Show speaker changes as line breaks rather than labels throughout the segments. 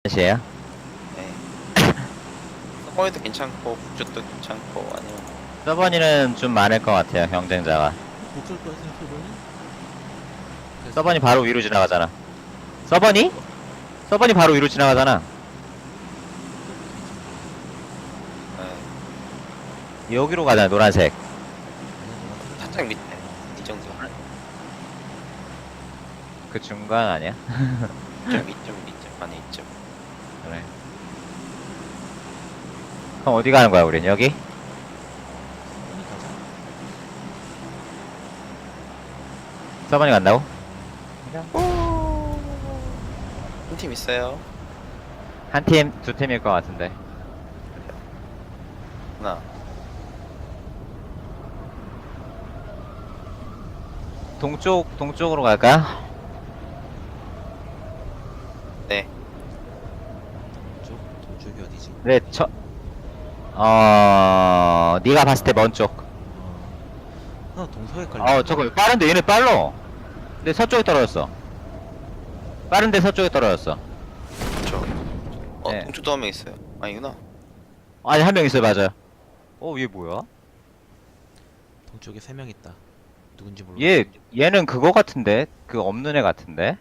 시에요?
네. 서버에도 괜찮고 북쪽도 괜찮고 아니면
서버니는 좀 많을 것 같아요, 경쟁자가.
못쏠 거야 생각해보니?
서버니 바로 위로 지나가잖아. 서버니? 서버니 바로 위로 지나가잖아.
네.
여기로 가잖아, 노란색.
살짝 밑에 이 정도.
그 중간 아니야?
좀 이쯤 안에 있죠.
그래. 그럼 어디 가는 거야, 우린? 여기?
빨리 가자.
서버니 간다고?
한 팀 있어요.
한 팀, 두 팀일 것 같은데.
하나.
동쪽으로 갈까?
네.
동쪽이 어디지?
네, 네가 봤을 때 먼 쪽.
나 동서에 깔려.
저거, 빠른데, 얘네 빨라. 근데 서쪽에 떨어졌어. 빠른데 서쪽에 떨어졌어.
그렇죠.
네.
동쪽도 한 명 있어요. 아니구나.
아니, 한 명 있어요, 맞아요. 얘 뭐야?
동쪽에 3명 있다. 누군지 모르겠어.
얘는 그거 같은데? 그 없는 애 같은데?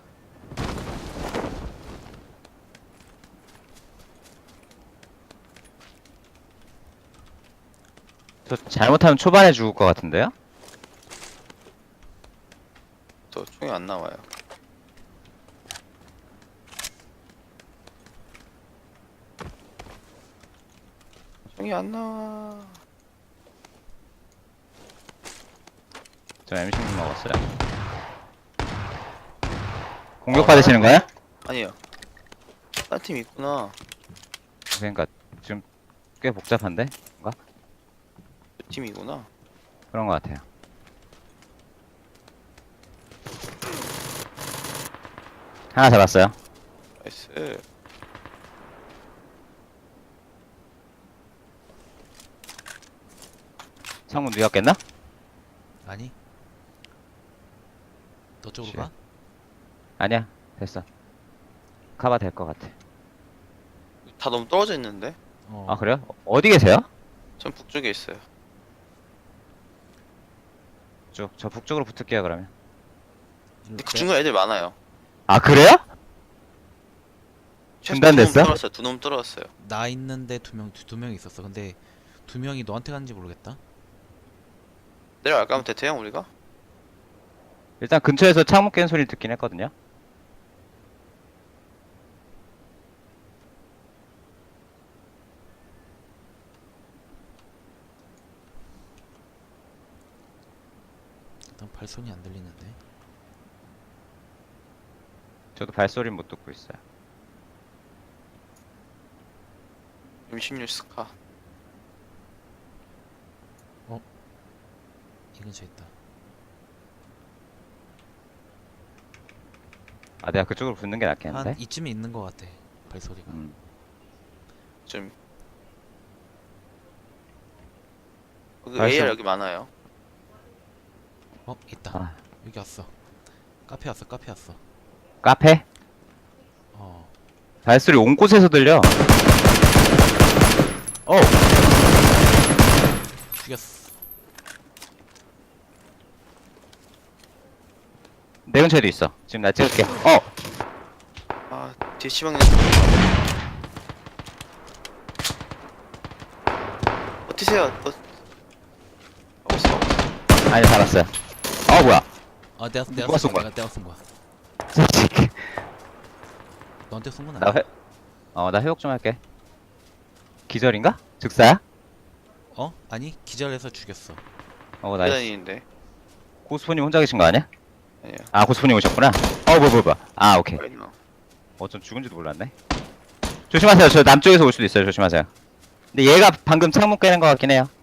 저 잘못하면 초반에 죽을 것 같은데요?
또 총이 안 나와요. 총이 안 나와.
저 M16 먹었어요. 공격받으시는 거야?
아니요. 딴 팀 있구나.
그러니까 지금 꽤 복잡한데? 뭔가?
그 팀이구나.
그런 것 같아요. 하나 잡았어요.
나이스.
창문 누였겠나?
아니? 너 쪽으로
씨.
가?
아니야. 됐어. 가봐 될 것 같아.
다 너무 떨어져 있는데?
아 그래요? 어디 계세요?
전 북쪽에 있어요.
저 북쪽으로 붙을게요 그러면.
근데 그 중간 애들 많아요.
아 그래요?
최소
중단됐어?
두 놈 떨어졌어요.
나 있는데 두 명 있었어. 근데 2명이 너한테 갔는지 모르겠다.
내려갈까 하면 대태형 우리가?
일단 근처에서 창문 깬 소리 듣긴 했거든요.
일단 발소리 안 들리는데.
저도 발소리 못 듣고 있어요.
M16 스카.
이 근처에 있다.
아 내가 그쪽으로 붙는 게 낫겠는데?
한 이쯤에 있는 것 같아. 발소리가.
좀
발소-
AR 여기 많아요.
있다.
아,
여기 왔어. 카페 왔어.
카페?
어.
발소리 온 곳에서 들려.
죽였어.
내 근처에도 있어. 지금 나 찍을게.
아 뒤에 시방에 버티세요. 없어.
아니 잡았어요. 뭐야?
내가
누가 쏜 거야?
내가 쏜 거야.
솔직히
너한테 쏜 건
나
아니야.
나 회복 좀 할게. 기절인가? 즉사야?
아니 기절해서 죽였어.
나이스.
계단인데.
고스포님 혼자 계신 거 아니야?
아니요.
아 고스포님 오셨구나. 뭐야. 아 오케이. 전 죽은지도 몰랐네. 조심하세요. 저 남쪽에서 올 수도 있어요. 조심하세요. 근데 얘가 방금 창문 깨는 것 같긴 해요.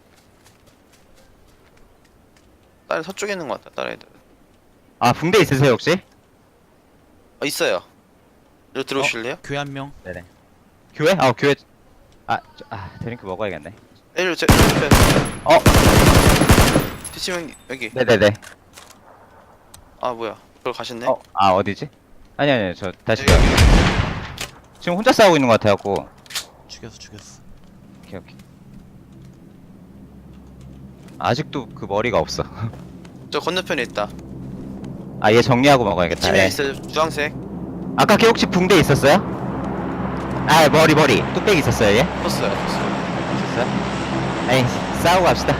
다른 서쪽에 있는 것 같다. 다른 애들.
붕대 있으세요 혹시?
있어요. 여기 들어오실래요?
교회 한 명.
네네. 교회? 교회. 드링크 먹어야겠네.
애들 제 뒤치면 여기.
네네네.
아 뭐야? 그걸 가셨네?
어디지? 아니 저 다시
여기.
지금 혼자 싸우고 있는 것 같아갖고.
죽였어.
오케이. 아직도 그 머리가 없어.
저 건너편에 있다.
아, 얘 정리하고 먹어야겠다.
치명
예.
있어요. 주황색.
아까 걔 혹시 붕대 있었어요? 아, 머리. 뚝배기 있었어요, 얘?
떴어요.
있었어요? 에이, 싸우고 갑시다.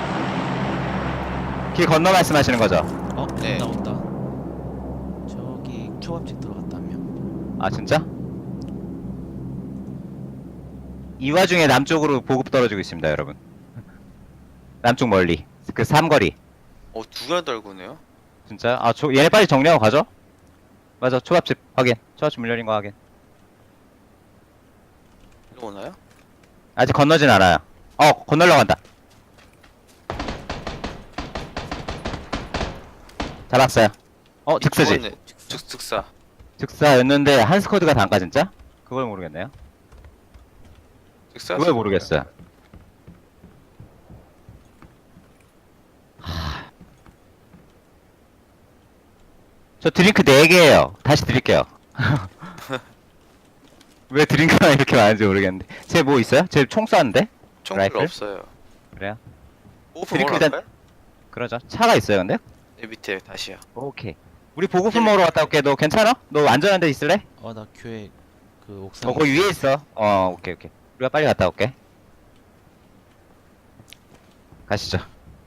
길 건너 말씀하시는 거죠?
네.
온다. 저기 초밥집 들어갔다 한 명.
아, 진짜? 이 와중에 남쪽으로 보급 떨어지고 있습니다, 여러분. 남쪽 멀리. 그 삼거리.
두개 달고네요.
진짜? 아, 얘네 빨리 정리하고 가죠? 맞아, 초밥집 확인. 초밥집 문 열린 거 확인.
이리 오나요?
아직 건너진 않아요. 건너려고 한다. 잡았어요. 즉사지.
죽었네. 즉사.
즉사였는데 한 스쿼드가 단가 진짜? 그걸 모르겠네요.
즉사.
그걸 모르겠어요. 저 드링크 4개예요. 다시 드릴게요. 왜 드링크가 이렇게 많은지 모르겠는데. 쟤 뭐 있어요? 쟤 총 쐈는데?
총
라이플?
별로 없어요.
그래요?
보급품
드링크
먹으러
일단-
갈까요?
그러죠. 차가 있어요, 근데?
네, 밑에 다시요.
오케이. 우리 보급품 먹으러 갔다 올게. 너 괜찮아? 너 안전한 데 있을래?
나 교회 그 옥상.
거기 위에 있어. 오케이. 우리가 빨리 갔다 올게. 가시죠.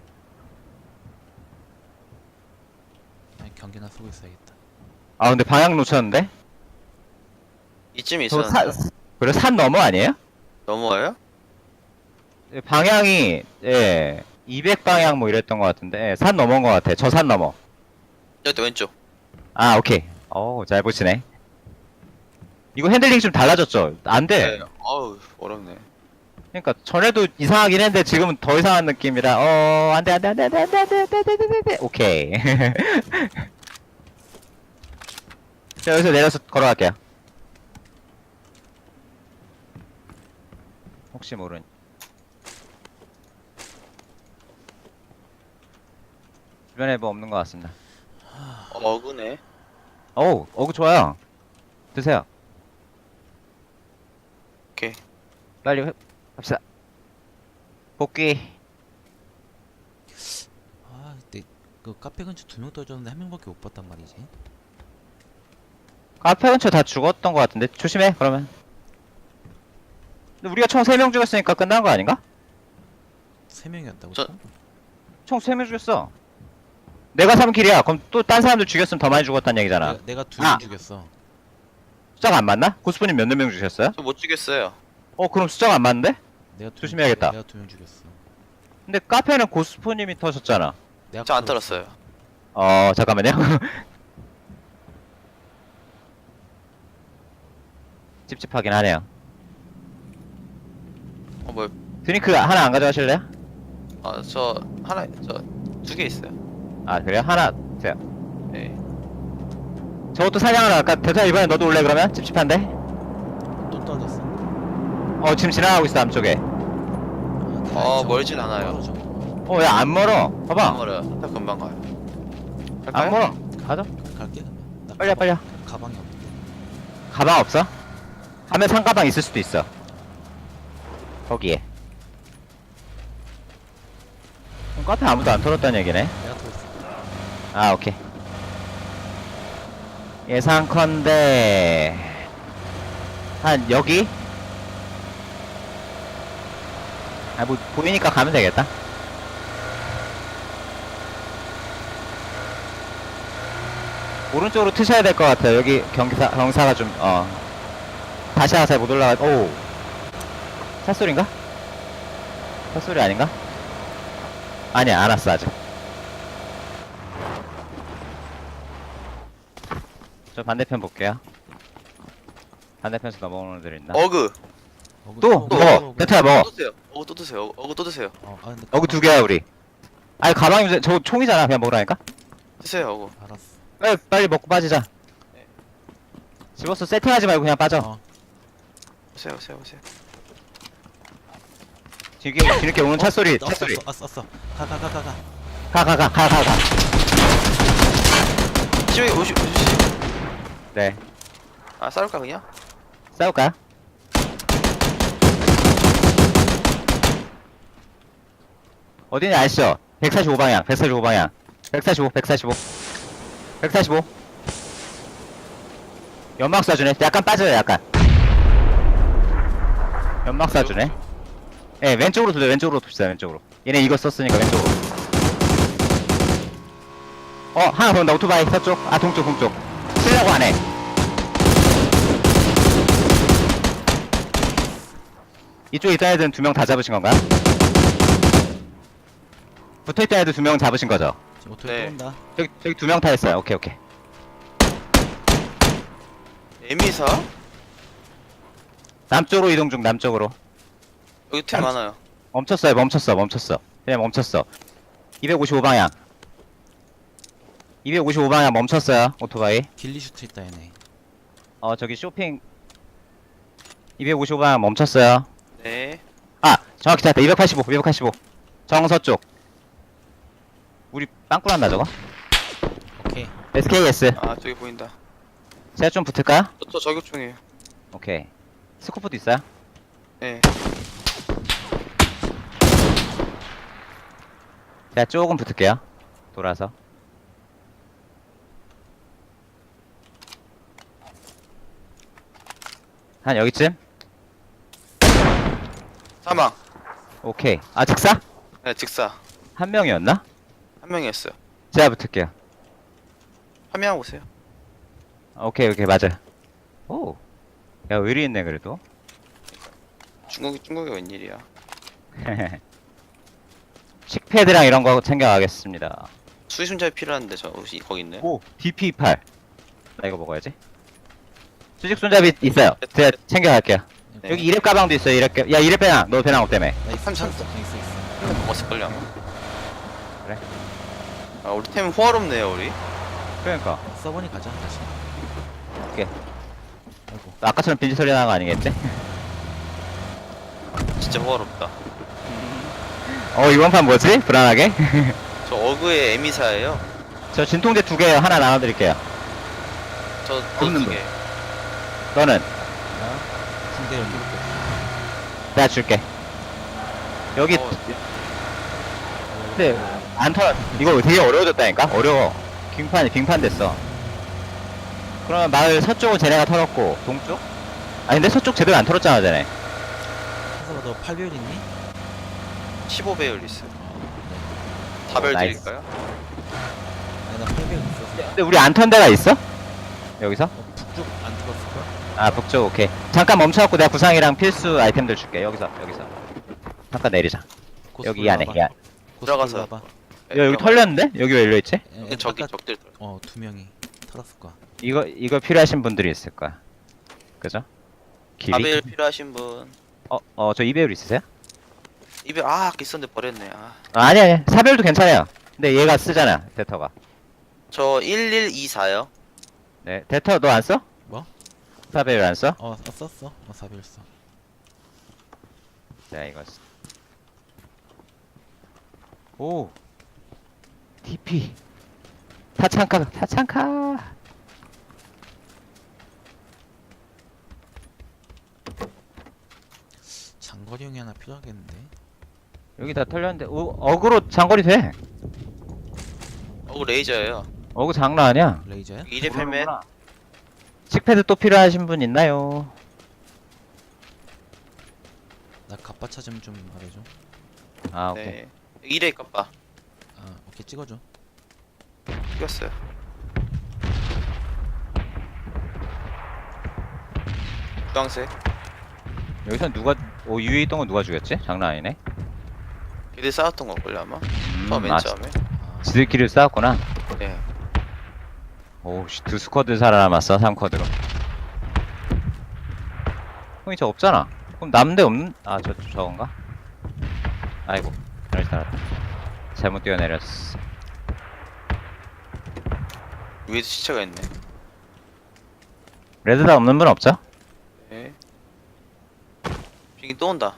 아니, 경계나 쓰고 있어야겠다.
아, 근데 방향 놓쳤는데?
이쯤에
저
있었는데.
그래, 산 너머 아니에요?
넘어와요?
방향이, 200방향 뭐 이랬던 것 같은데, 산 넘어인 것 같아. 저 산 넘어.
여기 왼쪽.
아, 오케이. 잘 보시네. 이거 핸들링 좀 달라졌죠? 안 돼.
네. 어우, 어렵네.
그러니까 전에도 이상하긴 했는데 지금은 더 이상한 느낌이라 안 돼. 오케이. 자, 여기서 내려서 걸어갈게요. 혹시 모르니. 주변에 뭐 없는 것 같습니다.
어그네.
어구 좋아요. 드세요.
오케이.
빨리 갑시다. 복귀.
근데 그 카페 근처 2명 떨어졌는데 1명밖에 못 봤단 말이지.
카페 근처 다 죽었던 것 같은데 조심해 그러면. 근데 우리가 총 3명 죽였으니까 끝난 거 아닌가?
3명이었다고?
저-
총 3명 죽였어. 내가 3킬이야. 그럼 또 딴 사람들 죽였으면 더 많이 죽었다는 얘기잖아.
내가 2명
아.
죽였어.
숫자가 안 맞나? 고스프님 몇 명 죽였어요?
저 못 죽였어요.
그럼 숫자가 안 맞는데?
내가
조심해야겠다.
내가 2명 죽였어.
근데 카페는 고스프님이 터졌잖아.
내가
저 안
터졌어.
떨었어요.
잠깐만요. 찝찝하긴 하네요.
뭐야?
드링크 하나 안 가져가실래요?
저 하나, 저 2개 있어요.
아, 그래요? 하나 주세요.
네.
저것도 사냥하러 갈까? 대타 이번에 너도 올래 그러면? 찝찝한데?
또 떨어졌어.
지금 지나가고 있어 남쪽에.
멀진 않아요.
야 안 멀어.
안
봐봐.
멀어요. 딱 금방 가요.
안
갈까요?
멀어. 가자.
갈게 그러면. 나
빨리 와, 빨리 와.
가방이 없는데.
가방 없어? 하면 상가방 있을 수도 있어. 거기에. 그럼 카페 아무도 안 털었다는 얘기네.
내가 터졌어.
아, 오케이. 예상컨대 한 여기? 뭐 보이니까 가면 되겠다. 오른쪽으로 트셔야 될 것 같아요. 여기 경사가 좀 다시 하나 잘 못 올라가. 오, 샷소리인가? 샷소리 아닌가? 아니야, 안 왔어 아직. 저 반대편 볼게요. 반대편에서 넘어오는 애들 있나?
어그.
또!
또
먹어! 베트야 먹어!
또 드세요. 어그 또 드세요. 어그 또 드세요.
근데
어그 2개야 우리. 아니 가방이 저 총이잖아. 그냥 먹으라니까?
드세요. 어그.
알았어.
빨리 먹고 빠지자.
네.
집어서 세팅하지 말고 그냥 빠져.
오세요.
뒤늦게 오는 찻소리.
썼어. 가.
가.
지금 오시.
네.
싸울까 그냥?
싸울까요? 어디니 아시죠? 145방향, 145방향. 145, 145. 145. 연막 쏴주네. 약간 빠져요, 약간. 연막 쏴주네. 예, 왼쪽으로 돌려, 왼쪽으로 돕시다, 왼쪽으로. 얘네 이거 썼으니까 왼쪽으로. 하나 더 온다, 오토바이, 서쪽. 아, 동쪽, 동쪽. 치려고 하네. 이쪽에 있던 애들은 2명 다 잡으신 건가요? 붙어있던 애들 2명 잡으신 거죠?
지금 오토에
네.
또 온다.
저기 2명 타 있어요. 오케이, 오케이.
에미사?
남쪽으로 이동 중, 남쪽으로.
여기 팀 많아요.
멈췄어요, 멈췄어. 그냥 멈췄어. 255방향. 255방향 멈췄어요, 오토바이.
길리슈트 있다 얘네.
저기 쇼핑. 255방향 멈췄어요.
네.
아, 정확히 찾았다. 285. 정서쪽. 우리 빵꾸 났나, 저거?
오케이.
SKS.
아, 저기 보인다.
제가 좀 붙을까요?
저 저격총이에요.
오케이. 스코프도 있어요?
네.
제가 조금 붙을게요. 돌아서. 한 여기쯤?
사망.
오케이. 아, 즉사?
네, 직사.
한 명이었나?
한 명이었어요.
제가 붙을게요.
화면 보세요.
오케이, 맞아. 오. 야, 의리 있네, 그래도.
중국이 웬일이야.
식패드랑 이런 거 챙겨가겠습니다.
수리순자이 필요한데 저 혹시 거기 있네.
오, DP8. 나 이거 먹어야지. 수직 손잡이 있어요. 제가 챙겨갈게요.
네.
여기 2렙 가방도 있어요, 2렙. 야, 2렙 배낭. 너 배낭 없다며.
나 있어.
삼천.
있어.
먹었을걸요 아마.
그래?
아, 우리 팀 호화롭네요 우리.
그러니까.
써보니 가자 다시.
오케이.
아이고.
아까처럼 빈지 소리 나는 거 아니겠지?
진짜 호화롭다.
이번 판 뭐지? 불안하게?
저 어그의 에미사예요.
저 진통제 2개 하나 나눠드릴게요.
저
없는
두 개.
너는?
나 군대 연기부터.
내가 줄게. 여기,
어,
근데, 안 털어. 이거 되게 어려워졌다니까? 어려워. 빙판 됐어. 그러면 마을 서쪽은 쟤네가 털었고, 동쪽? 아니, 근데 서쪽 제대로 안 털었잖아, 쟤네.
한솔아 너 8배율 있니?
15배율 있어요.
네.
4별
나이스.
드릴까요?
아니 나 8배율 있었어.
근데 우리 안 턴 데가 있어? 여기서?
북쪽 안 들었을걸?
아, 북쪽, 오케이. 잠깐 멈춰갖고 내가 구상이랑 필수 아이템들 줄게. 여기서. 잠깐 내리자. 여기 이 안에, 이 안에.
들어가서.
봐봐.
네,
야, 여기 털렸는데? 여기 왜 일로있지?
저기 적들.
두 명이 털었을 거야.
이거 필요하신 분들이 있을 거야. 그죠? 길이?
4배율 필요하신 분.
저 2배율 있으세요?
2배율 아까 있었는데 버렸네. 아.
아니. 4배율도 괜찮아요. 근데 얘가 쓰잖아, 데터가.
저 1124요.
네, 데터 너 안 써?
뭐?
4배율 안 써?
썼어. 4배율 써.
자, 이거. 오. TP. 타창카.
장거리용이 하나 필요하겠는데.
여기 다 털렸는데, 어그로 장거리 돼.
레이저예요.
어그 장난 아니야.
레이저야?
2렙 헬멧.
칙패드 또 필요하신 분 있나요?
나 갑바 찾으면 좀 말해줘.
아, 오케이.
네. 2렙 깜빠.
오케이 찍어줘.
이겼어요. 주황색.
여기서 위에 있던 건 누가 죽였지? 장난 아니네.
걔들 싸웠던 걸걸요 아마. 맨
아,
처음에.
지들끼리 싸웠구나.
네.
오우씨, 2스쿼드 살아남았어, 3쿼드로. 형이 저 없잖아. 그럼 남대 없는, 저건가? 아이고, 잘못 살았다. 잘못 뛰어내렸어.
위에도 시체가 있네.
레드다 없는 분 없죠?
네. 비행기 또 온다.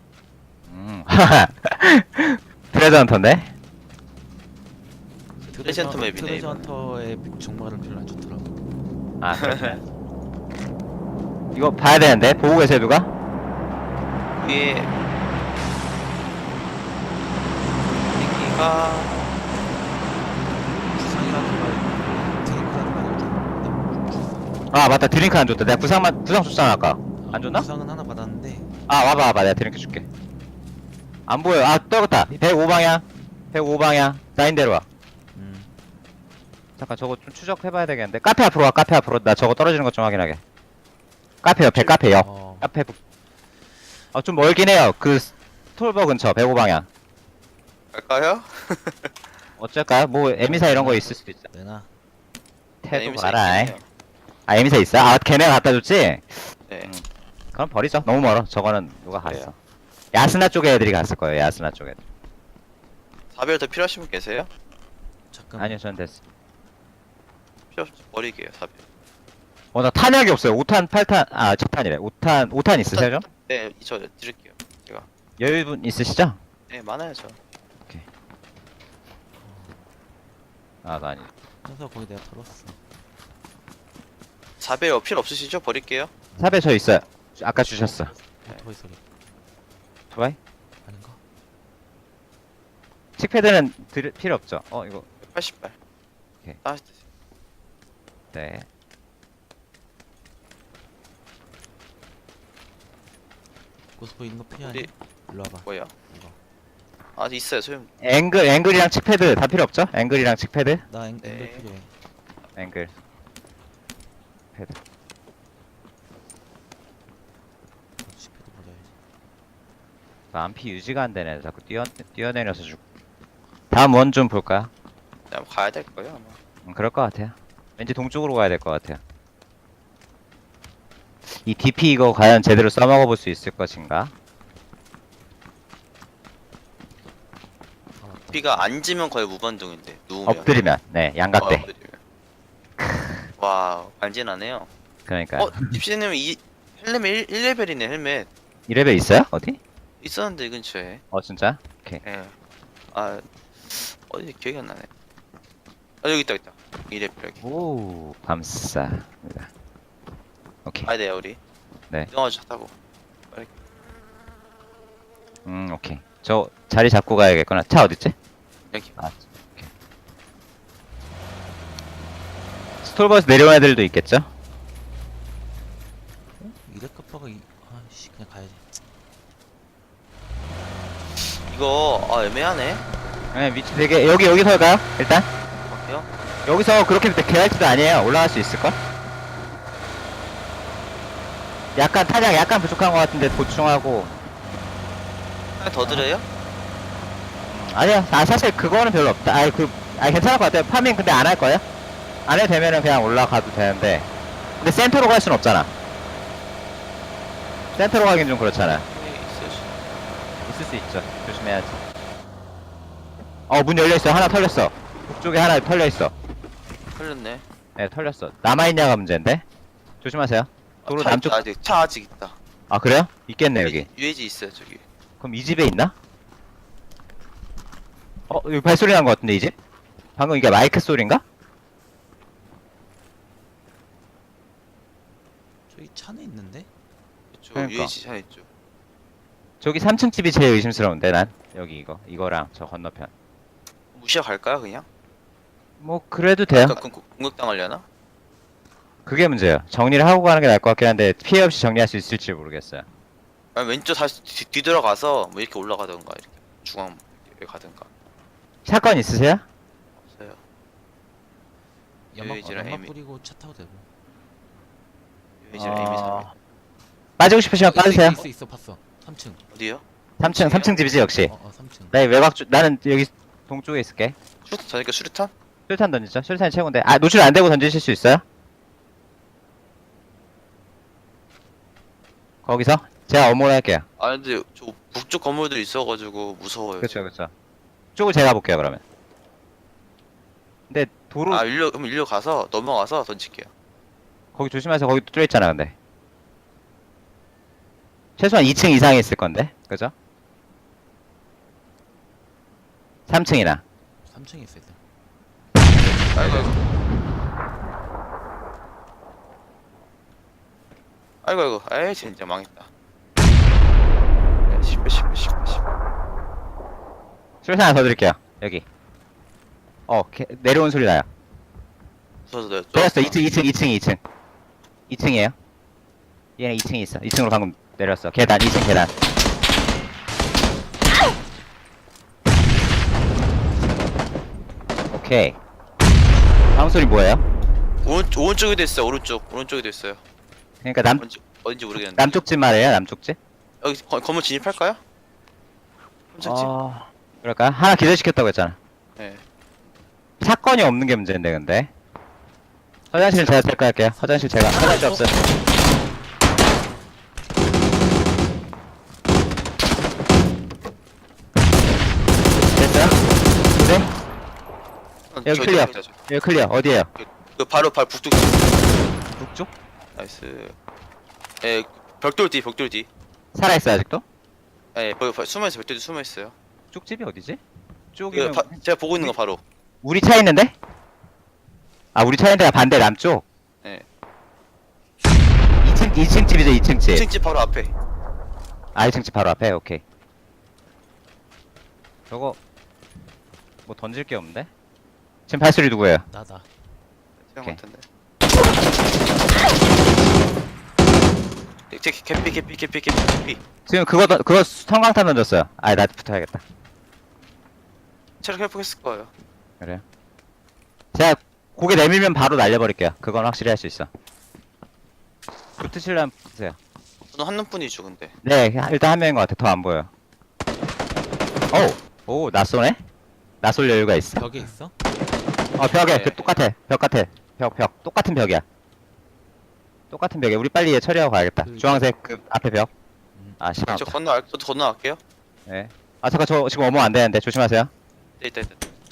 트레저 헌터인데?
트레저 헌터 맵이네,
트레저
이거.
헌터의 정보를 별로 안 좋더라고.
아, 그렇네. 이거 봐야 되는데 보고 계세요 누가?
위에 비행기가
부상이라든가 드링크라든가
아 맞다 드링크 안 줬다. 내가 부상 줬잖아 아까. 안 줬나?
부상은 하나 받았는데
아 와봐 내가 드링크 줄게. 안 보여. 아 떨궜다. 105방향 105방향 나인대로 와. 잠깐 저거 좀 추적해봐야 되겠는데. 카페 앞으로 와. 카페 앞으로. 나 저거 떨어지는 것 좀 확인하게. 카페 옆에 카페 옆.
어,
카페 좀 멀긴 해요. 그 스톨버 근처 105방향.
갈까요?
어쩔까요? 뭐 에미사 이런 거 있을 수도 있어.
내나
태도
에이미사
봐라.
있긴 해요.
아 에미사 있어? 아 걔네가 갖다 줬지?
네.
그럼 버리죠. 너무 멀어. 저거는 누가
그래요.
갔어. 야스나 쪽에 애들이 갔을 거예요. 야스나 쪽에.
사별 더 필요하신 분 계세요?
잠깐
아니요 전 됐어.
필요 없죠. 버리게요 사별.
나 탄약이 없어요. 5탄, 8탄, 아, 7탄이래. 5탄 있으세요, 좀?
네, 저 드릴게요. 제가.
여유분 있으시죠?
네, 많아요 저.
아, 나 아니.
그래서 거기 내가 털었어.
사별 필요 없으시죠? 버릴게요.
삽에 저 있어요. 아까 주셨어.
오토바이 소리
좋아요?
아닌가?
칙패드는 필요 없죠? 이거.
80발.
오케이.
다시 드세요.
네.
고스포 있는 거 필요하니?
우리
일로 와봐.
뭐예요?
이거.
아, 있어요. 소용.
앵글이랑 칙패드 다 필요 없죠? 앵글이랑 칙패드?
나
네.
앵글 필요해.
앵글. 패드.
시패드 버려야지.
안피 유지가 안 되네. 자꾸 뛰어내려서 죽. 다음 원 좀 볼까요?
그냥 가야 될 거예요 아마.
그럴 것 같아요. 왠지 동쪽으로 가야 될 것 같아요. 이 DP 이거 과연 제대로 써먹어 볼 수 있을 것인가?
아 맞다.
비가 앉으면 거의 무반동인데 누우면.
엎드리면. 네, 양갑대.
엎드리면. 와, 간지나네요.
그러니까.
집시님 이 헬멧 1레벨이네 헬멧.
2레벨 있어요? 어디?
있었는데 이 근처에.
진짜? 오케이.
예. 아, 어디 기억이 안 나네. 아, 여기 있다. 2레벨 여기.
오, 감사합니다. 오케이.
가야 돼요 우리.
네.
이동하자 타고.
오케이. 저 자리 잡고 가야겠구나. 차 어딨지?
여기.
아, 오케이. 스톨버스 내려온 애들도 있겠죠?
이레카파가 아씨 그냥 가야지.
이거 애매하네.
네, 위치 되게 여기 설까요? 일단
어때요?
여기서 그렇게 개활지도 아니에요. 올라갈 수 있을걸? 약간 탄약 약간 부족한 것 같은데 보충하고.
하나 더 드려요?
아니요. 사실 그거는 별로 없다. 괜찮을 것 같아요. 파밍 근데 안 할 거예요? 안 해도 되면은 그냥 올라가도 되는데. 근데 센터로 갈 순 없잖아. 센터로 가긴 좀 그렇잖아.
네, 있어요.
있을 수 있죠. 조심해야지. 문 열려있어. 하나 털렸어. 북쪽에 하나 털려있어.
털렸네.
네, 털렸어. 남아있냐가 문제인데? 조심하세요. 도로
차
남쪽.
있다, 아직 차 아직 있다.
아, 그래요? 있겠네, 여기.
UAG 있어요 저기.
그럼 이 집에 있나? 여기 발소리 난 것 같은데, 이 집? 방금 이게 마이크 소리인가?
저기 차는 있는데?
그쪽
그러니까.
UAG 차 있죠.
저기 3층 집이 제일 의심스러운데, 난. 여기 이거랑 저 건너편.
무시하 갈까요 그냥?
뭐, 그래도 돼요.
아까 공격당하려나?
그게 문제예요. 정리를 하고 가는 게 나을 것 같긴 한데, 피해 없이 정리할 수 있을지 모르겠어요.
아니 왼쪽 다시 뒤돌아가서 뭐 이렇게 올라가던가 이렇게 중앙 에 가던가.
사건 있으세요?
없어요.
연막,
UAG랑
연막
에이미.
뿌리고 차 타고 되고.
UAG랑 에이미 3
빠지고 싶으시면 빠지세요.
있어 봤어. 3층.
어디요?
3층 집이지, 역시.
3층.
나 나는 여기 동쪽에 있을게.
저니까 수류탄?
술탄 던지죠? 술탄이 최고인데. 노출 안 되고 던지실 수 있어요? 거기서? 제가 어머니 할게요.
아 근데 저 북쪽 건물들 있어가지고 무서워요.
그쵸. 쪽을 제가 볼게요, 그러면. 근데 도로,
그럼 일로 가서 넘어가서 던질게요.
거기 조심하세요. 거기 뚫려있잖아, 근데. 최소한 2층 이상에 있을 건데. 그죠? 3층이나.
3층에 있어 일단.
아이고. 아이고 아이고. 에이 진짜 망했다. 10배 10배 10배 10배.
수류탄 하나 더 드릴게요. 여기. 내려온 소리 나요.
무서워서 내가
내렸어. 2층. 2층이에요. 얘네 2층에 있어. 2층으로 방금 내렸어. 계단, 2층 계단. 오케이. 다음 소리 뭐예요?
오른쪽에도 있어요. 오른쪽에도 있어요.
그러니까
어딘지 모르겠는데.
남쪽 집 말이에요, 남쪽 집?
여기 건물 진입할까요? 깜짝지.
그럴까요? 하나 기절시켰다고 했잖아.
네.
사건이 없는 게 문제인데, 근데. 화장실 제가 셀까 할게요. 화장실 없어요. 됐어요? 네? 여기
저기
클리어.
있다, 저기.
여기 클리어. 어디에요?
그 바로 북쪽.
북쪽?
나이스. 예, 벽돌 뒤.
살아있어, 아직도?
예, 숨어있어. 벽돌 뒤 숨어있어요.
쪽집이 어디지? 쪽이면
제가 보고 있는 거 바로.
우리 차 있는데? 아, 우리 차 있는 데가 반대 남쪽?
예.
2층 집이죠, 2층 집.
2층 집 바로 앞에.
아, 2층 집 바로 앞에? 오케이. 저거, 뭐 던질 게 없는데? 지금 발소리 누구예요?
나다.
생각
오케이.
같은데. 개피.
지금 그거 성광탄 던졌어요. 아, 나 붙어야겠다.
체력 회복했을 거예요.
그래요? 제가 고개 내밀면 바로 날려버릴게요. 그건 확실히 할 수 있어. 붙으시려면 붙으세요.
저는 한 놈뿐이죠, 근데.
네, 일단 한 명인 것 같아. 더 안 보여요. 오, 나 쏘네? 나 쏠 여유가 있어?
벽에 있어?
벽에,
네.
그 똑같아. 벽 같아. 벽. 똑같은 벽이야. 똑같은 벽이야. 우리 빨리 얘 처리하고 가야겠다.
그-
주황색 그 앞에 벽. 아, 시간
저
없다.
저도 건너갈게요.
네. 아, 잠깐, 저 지금 어머 안 되는데. 조심하세요.
네, 있다.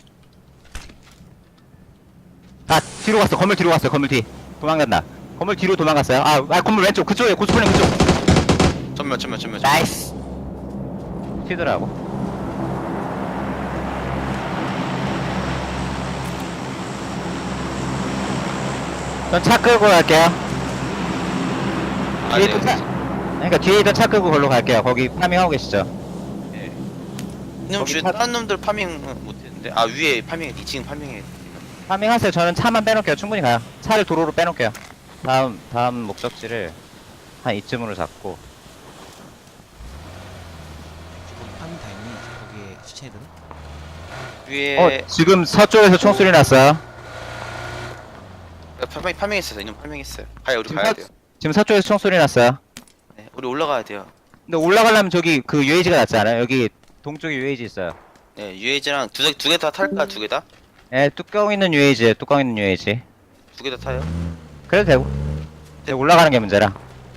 아, 뒤로 갔어. 건물 뒤로 갔어요. 건물 뒤. 도망간다. 건물 뒤로 도망갔어요. 건물 왼쪽. 그쪽에, 고스프링 그쪽.
전면.
나이스. 튀더라고. 전 차 끌고 갈게요.
아,
뒤에
네.
있던 차, 그러니까 뒤에 있던 차 끌고 걸로 갈게요. 거기 파밍하고 계시죠?
예. 이놈
거기
주위에
파-
다른 놈들 파밍 못했는데. 아, 위에 파밍, 2층 파밍해.
파밍하세요. 저는 차만 빼놓을게요. 충분히 가요. 차를 도로로 빼놓을게요. 다음 목적지를 한 이쯤으로 잡고.
거기 파밍 다 있니? 거기에 시체들은?
위에
지금 서쪽에서 총소리 났어요.
파밍했어요. 이놈 파밍했어요. 가요, 우리
지금
가야 돼요.
지금 서쪽에서 총소리 났어요.
네, 우리 올라가야 돼요.
근데 올라가려면 저기 그 UAG가 낫지 않아요? 여기 동쪽에 UAG 있어요.
네, UAG랑 두 개 다 탈까? 두 개 다?
예, 뚜껑 있는 UAG에 뚜껑 있는 UAG.
두 개 다 타요?
그래도 되고. 근데 올라가는 게 문제라.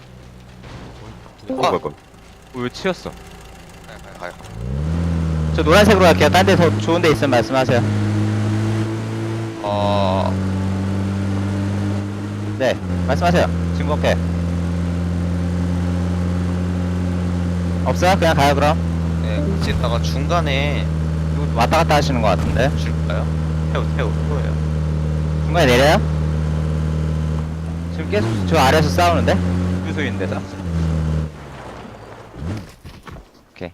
와.
왜 치였어?
가요.
저 노란색으로 갈게요. 딴 데 더 좋은 데 있으면 말씀하세요. 네, 말씀하세요. 지금 오케이. 없어요? 그냥 가요 그럼.
네, 지다가 중간에
누구 왔다 갔다 하시는 것 같은데.
줄까요? 태우예요.
중간에 내려요? 지금 계속 저 아래에서 싸우는데? 유소 있는 데서. 오케이.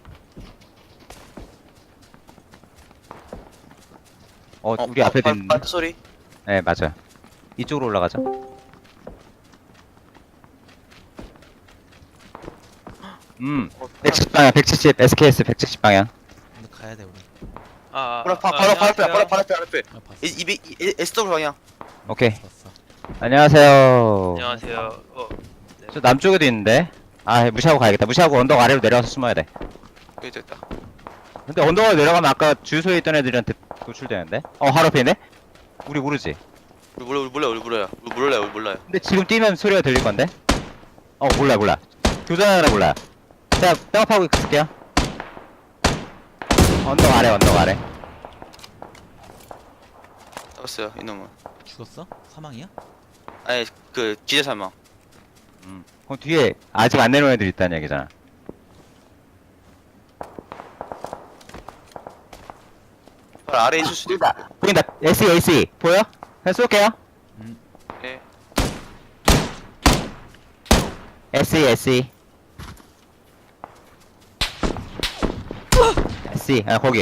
우리 앞에도 있는데?
발트 소리?
네, 맞아요. 이쪽으로 올라가죠. 170 SKS 170 방향.
근데 가야 돼 우리.
바로 앞에.
아 봤어.
200 SW 방향.
오케이.
봤어.
안녕하세요.
안녕하세요.
저 남쪽에도 있는데. 무시하고 가야겠다. 무시하고 언덕 아래로 내려가서 숨어야 돼.
여기 됐다.
근데 언덕으로 내려가면 아까 주소에 있던 애들한테 노출되는데? 바로 앞에 있네? 우리 모르지?
우리 몰라요.
근데 지금 뛰면 소리가 들릴 건데? 몰라. 교전하느라 몰라. 제가 백업하고 있을게요. 언덕 아래.
잡았어요, 이놈은.
죽었어? 사망이야?
아니, 그 기재 사망.
그럼 뒤에 아직 안 내려온 애들 있다는 얘기잖아.
바로 아래에 있을 수도 있고.
보인다. SE. 보여? 그냥 쏠게요.
네.
SE SE SE 아 거기.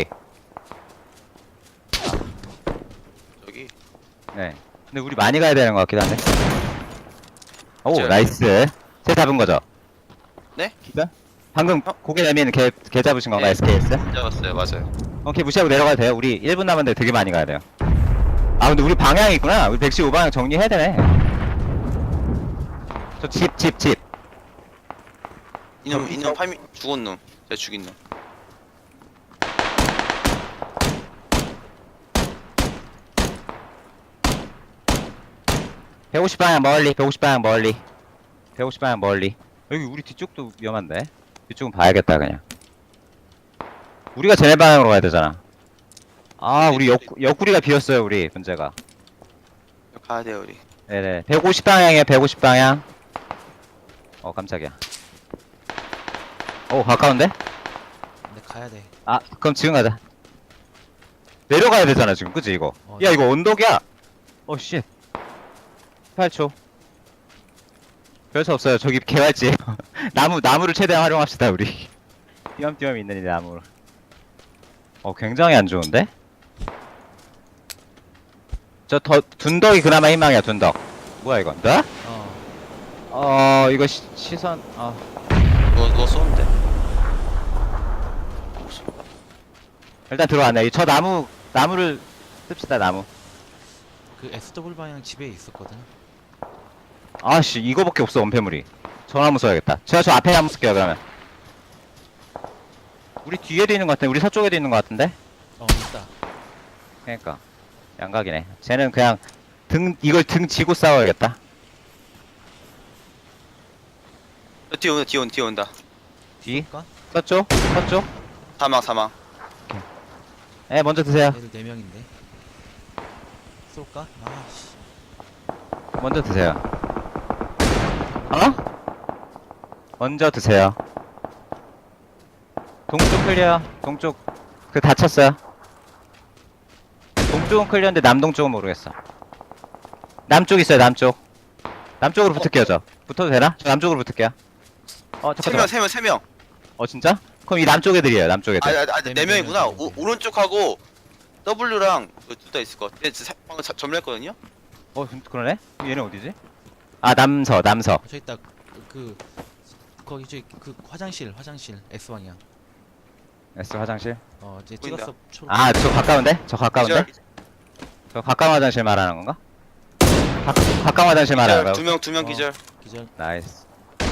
저기.
네. 근데 우리 많이 가야 되는 것 같기도 한데. 오
그쵸.
나이스. 새 잡은 거죠?
네?
기다? 방금 고개 내미는 개 잡으신 건가요?
네.
SKS?
잡았어요. 맞아요.
오케이 무시하고 내려가도 돼요. 우리 1분 남았는데 되게 많이 가야 돼요. 아 근데 우리 방향이 있구나. 우리 115방향 정리해야 되네. 저 집.
이놈 파미 죽은 놈. 제가 죽인 놈.
150방향 멀리. 150방향 멀리. 여기 우리 뒤쪽도 위험한데. 뒤쪽은 봐야겠다 그냥. 우리가 쟤네 방향으로 가야 되잖아. 아 우리 옆구리가 비었어요 우리 문제가.
가야 돼요 우리.
네네 150방향이에요 150방향. 깜짝이야. 가까운데?
근데 가야 돼.
아 그럼 지금 가자. 내려가야 되잖아 지금 그치 이거.
어,
야 이거 언덕이야. 쉣 8초. 별수 없어요 저기 개활지. 나무를 최대한 활용합시다 우리. 띄엄띄엄 있는 이 나무를. 굉장히 안 좋은데? 둔덕이 그나마 희망이야 둔덕. 뭐야 이건 나? 이거 시선
누가 쏘는데?
일단 들어왔네. 저 나무를 씁시다 나무.
그 SW 방향 집에 있었거든.
아씨 이거밖에 없어 원패물이. 저 나무 써야겠다. 제가 저 앞에 나무 쓸게요 그러면. 우리 뒤에도 있는 것 같은데 우리 서쪽에도 있는 것 같은데.
있다.
그러니까 양각이네. 쟤는 그냥 이걸 등 지고 싸워야겠다.
뒤에 온다.
뒤
쏠까?
서쪽
사망.
네 먼저 드세요.
얘들 4명인데. 쏠까? 아씨.
먼저 드세요. 먼저 드세요. 동쪽 클리어. 동쪽 다쳤어요. 동쪽은 클리어인데 남동쪽은 모르겠어. 남쪽 있어요 남쪽. 남쪽으로 붙을게요 저. 붙어도 되나? 저 남쪽으로 붙을게요. 잠깐만.
세 명.
진짜? 그럼 이 남쪽 애들이에요 남쪽 애들.
네 명이구나. 오른쪽하고 W랑 둘 다 있을 것 같아. 방금 점령했거든요.
그러네? 얘는 어디지? 남서
저 있다. 거기 그 화장실 S 방향.
S 화장실.
이제
보인다.
찍었어. 초록.
저 가까운데? 저 가까운 화장실 말하는 건가? 가까운 화장실 말하는 거야?
두 명 기절.
기절.
나이스.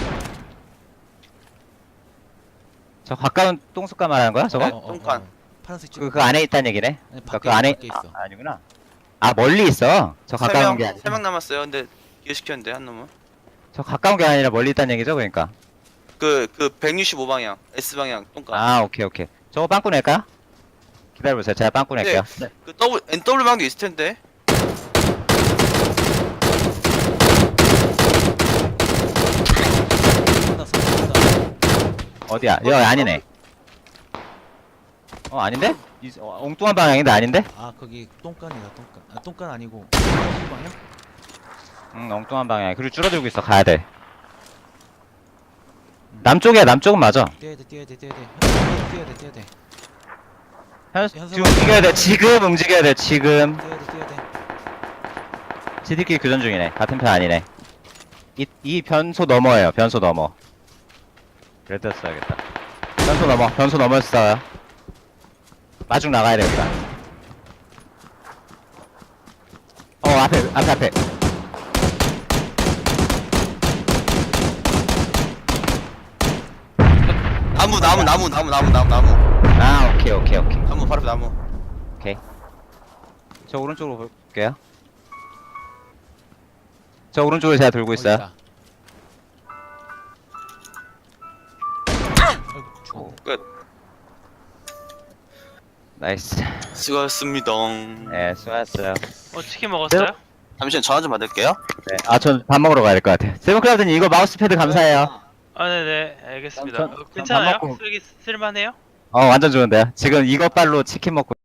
저 가까운 똥숟가 말하는 거야 저거?
네. 똥간.
파란색 찍.
그 안에 있다는 얘기네?
아니,
그러니까
밖에
그 안에
밖에 있어.
아니구나. 멀리 있어. 저 가까운 게 아니라.
3명 남았어요. 근데 기절시켰는데 한 놈은.
저 가까운 게 아니라 멀리 있다는 얘기죠 그러니까.
그 165방향 S 방향 똥간.
오케이. 저거 빵꾸 낼까? 기다려보세요. 제가 빵꾸 낼게요.
그 NW 방도 있을 텐데.
어디야? 여기 아니네. 아닌데? 엉뚱한 방향인데 아닌데?
거기 똥간이다. 똥간. 똥간 아니고 방향?
엉뚱한 방향. 그리고 줄어들고 있어. 가야 돼. 남쪽이야. 남쪽은 맞아.
뛰어야 돼. 뛰어야 돼.
지금 움직여야 돼. 지금 움직여야 돼. 지금.
뛰어야 돼.
지들끼리 교전 중이네. 같은 편 아니네. 이 변소 넘어예요. 변소 넘어. 그래도 써야겠다. 변소 넘어서 싸워요. 마중 나가야 돼, 우리가. 앞에.
나무.
오케이.
나무 바로 나무.
저 오른쪽으로 볼게요. 저 오른쪽으로 제가 돌고 있어요.
있다. 죽었네.
끝.
나이스.
수고하셨습니다.
네, 수고하셨어요.
치킨 먹었어요?
잠시만 전화 좀 받을게요.
네, 전 밥 먹으러 가야 될 것 같아요. 세븐클라우드님 이거 마우스패드 감사해요.
네네, 알겠습니다.
전 밥
괜찮아요?
먹고-
쓸만해요?
완전 좋은데요. 지금 이것빨로 치킨 먹고